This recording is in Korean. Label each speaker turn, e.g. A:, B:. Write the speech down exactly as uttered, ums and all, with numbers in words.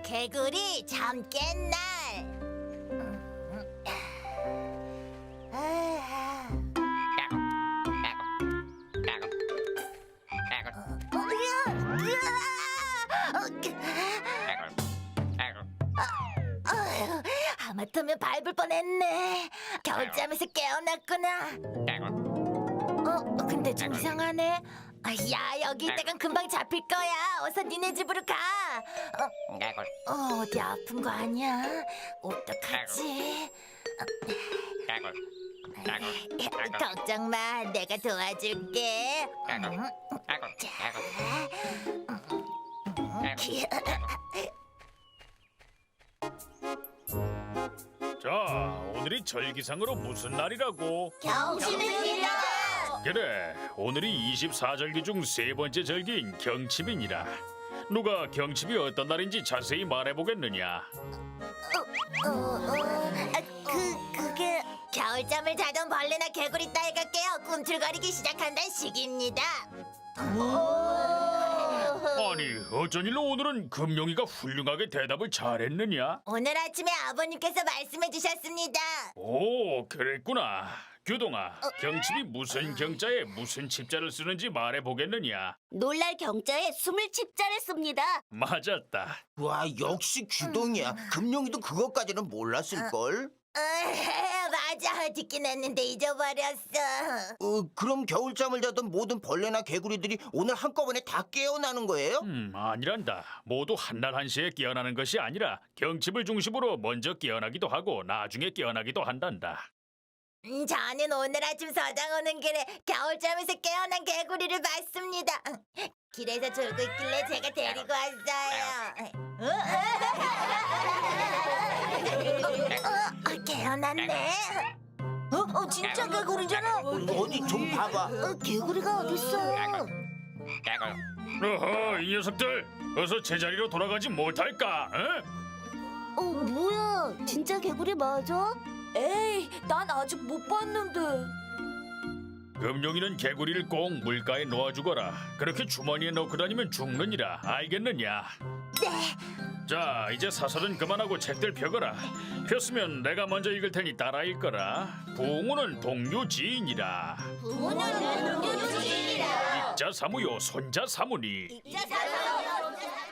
A: 개구리 잠 깬 날. 어휴, 하마터면 밟을 뻔했네. 겨울잠에서 깨어났구나. 어, 근데 좀 이상하네. 아, 야, 여기 있다간 금방 잡힐 거야. 어서 니네 집으로 가. 어, 어, 어디 아픈 거 아니야? 어떡하지? 어, 걱정 마, 내가 도와줄게. 음, 자,
B: 자, 오늘이 절기상으로 무슨 날이라고?
A: 경심입니다.
B: 그래, 오늘이 이십사 절기 중 세 번째 절기인 경칩이니라. 누가 경칩이 어떤 날인지 자세히 말해보겠느냐?
A: 어, 어, 아, 그, 그게 겨울잠을 자던 벌레나 개구리 따위가 깨어 꿈틀거리기 시작한다는 시기입니다.
B: 아니, 어쩐 일로 오늘은 금용이가 훌륭하게 대답을 잘했느냐?
A: 오늘 아침에 아버님께서 말씀해 주셨습니다.
B: 오, 그랬구나. 규동아, 경칩이 무슨 경자에 무슨 칩자를 쓰는지 말해보겠느냐?
A: 놀랄 경자에 숨을 칩자를 씁니다.
B: 맞았다.
C: 와, 역시 규동이야. 금룡이도 그것까지는 몰랐을걸?
A: 맞아, 듣긴 했는데 잊어버렸어.
C: 어, 그럼 겨울잠을 자던 모든 벌레나 개구리들이 오늘 한꺼번에 다 깨어나는 거예요?
B: 음, 아니란다. 모두 한날 한시에 깨어나는 것이 아니라 경칩을 중심으로 먼저 깨어나기도 하고 나중에 깨어나기도 한단다.
A: 음, 저는 오늘 아침 서당 오는 길에 겨울잠에서 깨어난 개구리를 봤습니다. 길에서 졸고 있길래 제가 데리고 왔어요. 어, 어, 깨어났네. 어, 어, 진짜 개구리잖아.
C: 어디 좀 봐봐.
A: 어, 개구리가 어딨어?
B: 어허, 이 녀석들 어서 제자리로 돌아가지 못할까? 어?
A: 어, 뭐야? 진짜 개구리 맞아?
D: 에이, 난 아직 못 봤는데.
B: 금용이는 개구리를 꼭 물가에 놓아주거라. 그렇게 주머니에 넣고 다니면 죽느니라. 알겠느냐?
A: 네.
B: 자, 이제 사설은 그만하고 책들 펴거라. 폈으면 내가 먼저 읽을 테니 따라 읽거라. 부흥우는 동료지인이라.
A: 부모는 동료주의라.
B: 익자 사무요 손자 사무니.
A: 익자 사사